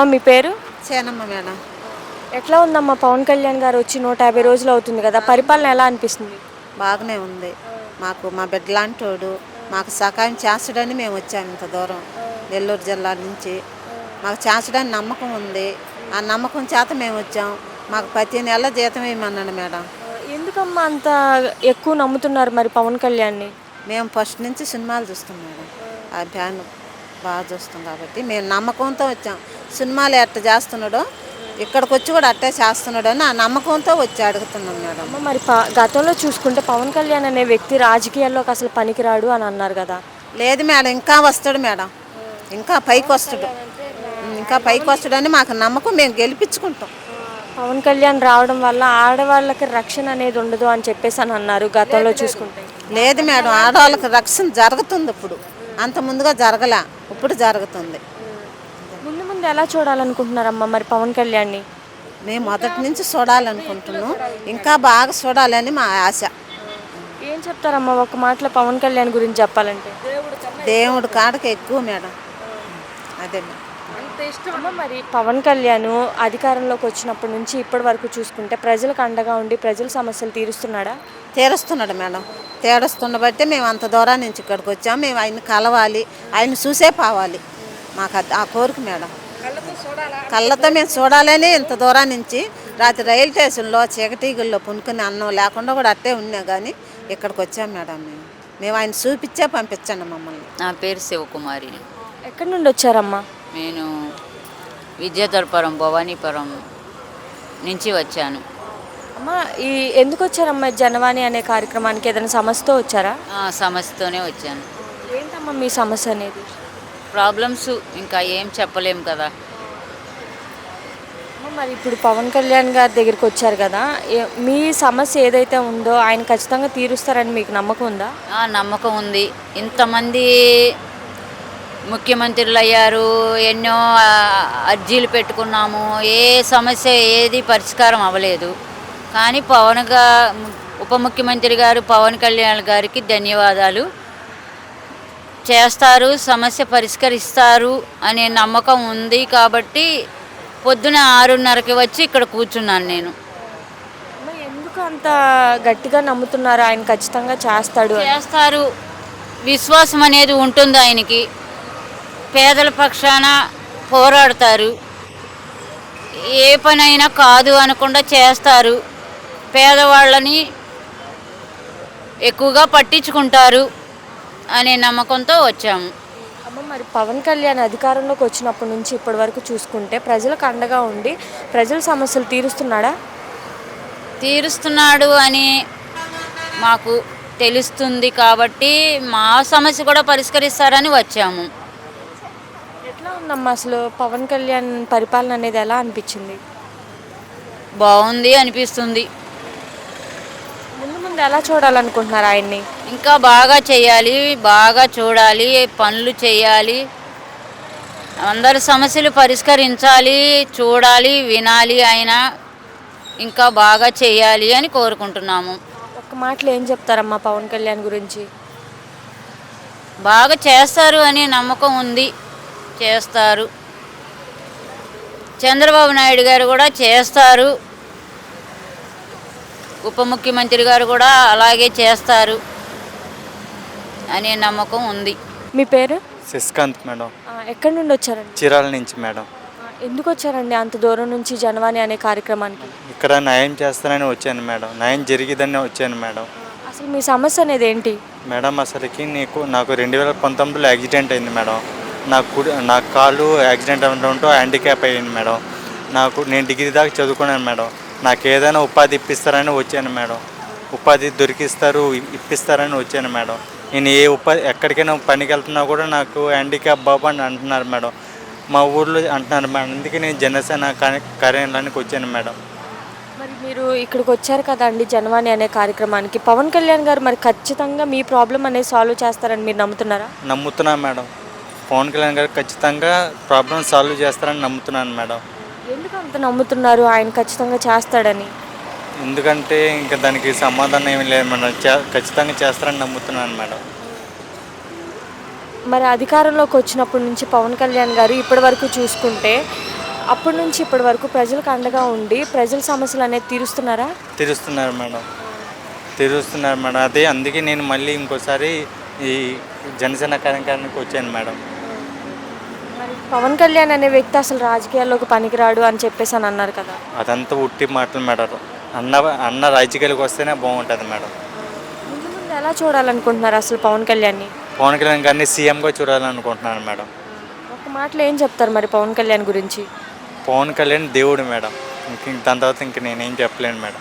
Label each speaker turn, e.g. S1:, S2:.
S1: మీ పేరు?
S2: సేనమ్మ మేడం.
S1: ఎట్లా ఉందమ్మా పవన్ కళ్యాణ్ గారు వచ్చి 150 రోజులు అవుతుంది కదా, పరిపాలన ఎలా అనిపిస్తుంది?
S2: బాగానే ఉంది. మాకు మా బిడ్డ లాంటోడు మాకు సహాయం చేస్తాడని మేము వచ్చాము ఇంత దూరం నెల్లూరు జిల్లా నుంచి. మాకు చేస్తాడని నమ్మకం ఉంది. ఆ నమ్మకం చేత మేము వచ్చాం. మాకు ప్రతి నెల జీతం వేయమన్నాడు మేడం.
S1: ఎందుకమ్మా అంత ఎక్కువ నమ్ముతున్నారు మరి పవన్ కళ్యాణ్ని?
S2: మేము ఫస్ట్ నుంచి సినిమాలు చూస్తాం మేడం. ఆ ఫ్యాన్ బాగా చూస్తాం కాబట్టి మేము నమ్మకంతో వచ్చాం. సినిమాలు ఎట్ట చేస్తున్నాడో ఇక్కడికి వచ్చి కూడా అట్టే చేస్తున్నాడు అని ఆ నమ్మకంతో వచ్చి అడుగుతున్నాం మేడం.
S1: అమ్మ మరి గతంలో చూసుకుంటే పవన్ కళ్యాణ్ అనే వ్యక్తి రాజకీయాల్లోకి అసలు పనికిరాడు అని అన్నారు కదా.
S2: లేదు మేడం, ఇంకా వస్తాడు మేడం. ఇంకా పైకి వస్తాడు. ఇంకా పైకి వస్తాడని మాకు నమ్మకం. మేము గెలిపించుకుంటాం.
S1: పవన్ కళ్యాణ్ రావడం వల్ల ఆడవాళ్ళకి రక్షణ అనేది ఉండదు అని చెప్పేసి అని అన్నారు గతంలో చూసుకుంటే.
S2: లేదు మేడం, ఆడవాళ్ళకి రక్షణ జరుగుతుంది ఇప్పుడు. అంత ముందుగా జరగలే, ఇప్పుడు జరుగుతుంది.
S1: ముందు ముందు ఎలా చూడాలనుకుంటున్నారమ్మా మరి పవన్ కళ్యాణ్ని?
S2: మేము మొదటి నుంచి చూడాలనుకుంటున్నాం. ఇంకా బాగా చూడాలని మా ఆశ.
S1: ఏం చెప్తారమ్మా ఒక మాటలో పవన్ కళ్యాణ్ గురించి చెప్పాలంటే?
S2: దేవుడు కాడకి ఎక్కువ మేడం. అదే మేడం.
S1: అమ్మ మరి పవన్ కళ్యాణ్ అధికారంలోకి వచ్చినప్పటి నుంచి ఇప్పటి వరకు చూసుకుంటే ప్రజలకు అండగా ఉండి ప్రజల సమస్యలు తీరుస్తున్నాడా?
S2: తీరుస్తున్నాడు మేడం. తీరుస్తున్న బట్టే మేము అంత దూరం నుంచి ఇక్కడికి వచ్చాము. మేము ఆయన కలవాలి, ఆయన చూసే పోవాలి. మాకు ఆ కోరిక మేడం. కళ్ళతో మేము చూడాలని ఇంత దూరం నుంచి రాత్రి రైలు స్టేషన్లో చీకటీగుల్లో పునుకుని అన్నం లేకుండా కూడా అట్టే ఉన్నా కానీ ఇక్కడికి వచ్చాం మేడం. మేము ఆయన చూపించే పంపించండి మమ్మల్ని.
S3: నా పేరు శివకుమారి.
S1: ఎక్కడి నుండి వచ్చారమ్మా?
S3: నేను విద్యాధరపురం భవానీపురం నుంచి వచ్చాను.
S1: అమ్మా ఎందుకు వచ్చారమ్మా జనవాణి అనే కార్యక్రమానికి? ఏదైనా సమస్యతో వచ్చారా?
S3: సమస్యతోనే వచ్చాను.
S1: ఏంటమ్మా మీ సమస్య అనేది?
S3: ప్రాబ్లమ్స్ ఇంకా ఏం చెప్పలేము కదా.
S1: మరి ఇప్పుడు పవన్ కళ్యాణ్ గారి దగ్గరికి వచ్చారు కదా, మీ సమస్య ఏదైతే ఉందో ఆయన ఖచ్చితంగా తీరుస్తారని మీకు నమ్మకం ఉందా?
S3: నమ్మకం ఉంది. ఇంతమంది ముఖ్యమంత్రులు అయ్యారు, ఎన్నో అర్జీలు పెట్టుకున్నాము, ఏ సమస్య ఏది పరిష్కారం అవ్వలేదు. కానీ ఉప ముఖ్యమంత్రి గారు పవన్ కళ్యాణ్ గారికి ధన్యవాదాలు. చేస్తారు, సమస్య పరిష్కరిస్తారు అనే నమ్మకం ఉంది. కాబట్టి పొద్దున 6:30కి వచ్చి ఇక్కడ కూర్చున్నాను నేను.
S1: ఎందుకు అంత గట్టిగా నమ్ముతున్నారు ఆయన ఖచ్చితంగా చేస్తారు?
S3: విశ్వాసం అనేది ఉంటుంది ఆయనకి. పేదల పక్షాన పోరాడతారు. ఏ పనైనా కాదు అనకుండా చేస్తారు. పేదవాళ్ళని ఎక్కువగా పట్టించుకుంటారు అనే నమ్మకంతో వచ్చాము.
S1: అమ్మ మరి పవన్ కళ్యాణ్ అధికారంలోకి వచ్చినప్పటి నుంచి ఇప్పటి వరకు చూసుకుంటే ప్రజలకు అండగా ఉండి ప్రజల సమస్యలు
S3: తీరుస్తున్నాడు అని మాకు తెలుస్తుంది. కాబట్టి మా సమస్య కూడా పరిష్కరిస్తారని వచ్చాము.
S1: ఎట్లా ఉందమ్మా అసలు పవన్ కళ్యాణ్ పరిపాలన అనేది ఎలా అనిపించింది?
S3: బాగుంది అనిపిస్తుంది.
S1: ముందు ముందు ఎలా చూడాలనుకుంటున్నారు ఆయన్ని?
S3: ఇంకా బాగా చేయాలి, బాగా చూడాలి, పనులు చేయాలి, అందరి సమస్యలు పరిష్కరించాలి, చూడాలి, వినాలి. ఆయన ఇంకా బాగా చేయాలి అని కోరుకుంటున్నాము.
S1: ఒక్క మాటలో ఏం చెప్తారమ్మా పవన్ కళ్యాణ్ గురించి?
S3: బాగా చేస్తారు అనే నమ్మకం ఉంది. చేస్తారు. చంద్రబాబు నాయుడు గారు కూడా చేస్తారు. ఉప ముఖ్యమంత్రి గారు కూడా అలాగే చేస్తారు అనే నమ్మకం ఉంది.
S1: మీ పేరు?
S4: శశికాంత్ మేడం.
S1: ఎక్కడి నుండి వచ్చారండి?
S4: చీరాల నుంచి మేడం.
S1: ఎందుకు వచ్చారండి అంత దూరం నుంచి జనవాణి అనే కార్యక్రమానికి?
S4: ఇక్కడ న్యాయం చేస్తానని వచ్చాను మేడం. న్యాయం జరిగిదని వచ్చాను మేడం.
S1: అసలు మీ సమస్య అనేది ఏంటి
S4: మేడం? అసలుకి నాకు 2019లో యాక్సిడెంట్ అయింది మేడం. నా కాళ్ళు యాక్సిడెంట్ అవ్వడంతో హ్యాండిక్యాప్ అయ్యింది మేడం. నేను డిగ్రీ దాకా చదువుకున్నాను మేడం. నాకు ఏదైనా ఉపాధి ఇప్పిస్తారని వచ్చాను మేడం. ఉపాధి ఇప్పిస్తారని వచ్చాను మేడం. నేను ఎక్కడికైనా పనికి వెళ్తున్నా కూడా నాకు హ్యాండిక్యాప్ బాబు అని అంటున్నారు మేడం. మా ఊళ్ళో అంటున్నారు మేడం. అందుకే నేను జనసేన కార్యాలయానికి వచ్చాను మేడం.
S1: మరి మీరు ఇక్కడికి వచ్చారు కదండి జనవాణి అనే కార్యక్రమానికి, పవన్ కళ్యాణ్ గారు మరి ఖచ్చితంగా మీ ప్రాబ్లం అనేది సాల్వ్ చేస్తారని మీరు నమ్ముతున్నారా?
S4: నమ్ముతున్నాను మేడం. పవన్ కళ్యాణ్ గారు ఖచ్చితంగా ప్రాబ్లం సాల్వ్ చేస్తారని నమ్ముతున్నాను మేడం.
S1: ఎందుకు అంత నమ్ముతున్నారు ఆయన ఖచ్చితంగా చేస్తాడని?
S4: ఎందుకంటే ఇంకా దానికి సమాధానం ఏమి లేదు మేడం. ఖచ్చితంగా చేస్తారని నమ్ముతున్నాను మేడం.
S1: మరి అధికారంలోకి వచ్చినప్పటి నుంచి పవన్ కళ్యాణ్ గారు ఇప్పటి వరకు చూసుకుంటే అప్పటి నుంచి ఇప్పటి వరకు ప్రజలకు అండగా ఉండి ప్రజల సమస్యలు అనేది తీరుస్తున్నారా?
S4: తీరుస్తున్నారు మేడం, తీరుస్తున్నారు మేడం. అదే అందుకే నేను మళ్ళీ ఇంకోసారి ఈ జనసేన కార్యక్రమానికి వచ్చాను మేడం.
S1: మరి పవన్ కళ్యాణ్ అనే వ్యక్తి అసలు రాజకీయాల్లోకి పనికిరాడు అని చెప్పేసి అని అన్నారు కదా.
S4: అదంతా ఉట్టి మాటలు మేడం. అన్న రాజకీయాలకు వస్తేనే బాగుంటుంది మేడం.
S1: ముందు ముందు ఎలా చూడాలనుకుంటున్నారు అసలు పవన్ కళ్యాణ్ని?
S4: పవన్ కళ్యాణ్ గారిని సీఎంగా చూడాలనుకుంటున్నాను మేడం.
S1: ఒక మాటలో ఏం చెప్తారు మరి పవన్ కళ్యాణ్ గురించి?
S4: పవన్ కళ్యాణ్ దేవుడు మేడం. దాని తర్వాత ఇంక నేనేం చెప్పలేను మేడం.